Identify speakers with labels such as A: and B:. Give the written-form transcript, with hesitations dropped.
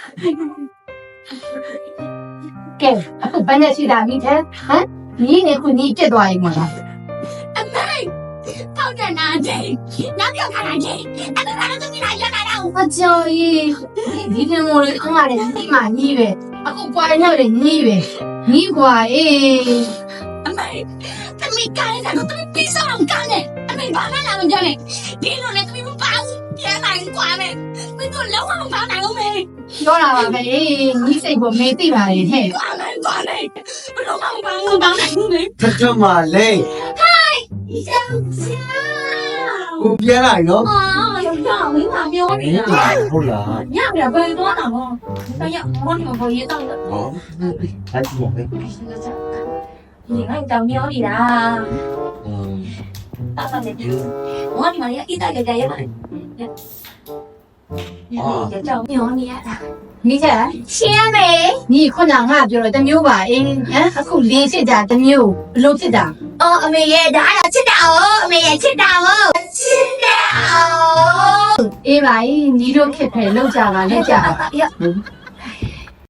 A: ကဲအခုဘယ်နဲ့ရှိတာမိတဲ့ဟမ်ညီနေခုညီပြစ်သွားရင်မလား
B: အမေထောက်တယ်နာတယ်နောက်ပြောထားတာတယ်အဲ့ဒါကတော့သူကရလာတော့
A: အကျော်ကြီးဒီတင်မိုးလေးအားရတယ်ညီမညီပဲအခုပွားရောက်တယ်ညီပဲညီကွာအေး
B: အမေသမီးကိုင်းတယ်တော့သမီးပြီးဆုံးကောင်းတယ်အမေဘာမှလာမပြောနဲ့ဒီလိုနဲ့သမီးမပါဘူးပြန်လာရင်ကွာမယ်မင်းတို့လုံးဝမပါနိုင်ဘူးမေ
A: ပြောတာပါပဲညီစိတ်ကိုမေးသိပါလေဟဲ့
B: ကွာမယ်ကွာမယ်ဘယ်လိုမှမပါဘူးမပါနိုင်ဘူးမေ
C: ထထမလေး
B: ယောက်ျား
C: ကိုပြန်လာနော်
B: အာယောက်ျားမင်းမပြောနေတာ
C: ဟုတ်လား
B: ညပြဘယ်သွားတာလဲတော့ရဘောဒီမှာဘောရေးတော့တယ်
C: ဟောအဲ့ဒီမေ
B: 你看你找喵你啦，大大的猪，我你妈呀，一大个家也买，就找喵你啦，
A: မိချက်
B: 千美，
A: ညီခုနငါပြောတော့တစ်မျိုးပါအေးဟမ်အခုလင်းဖြစ်တာတစ်မျိုးဘလို့ဖြစ်တာ
B: 哦，妹爷，咱俩吃到哦，妹爷吃到哦，吃到。
A: အေးပါညီတို့ခက်ခဲလောက်ကြပါလက်ကြပါ
B: 呀，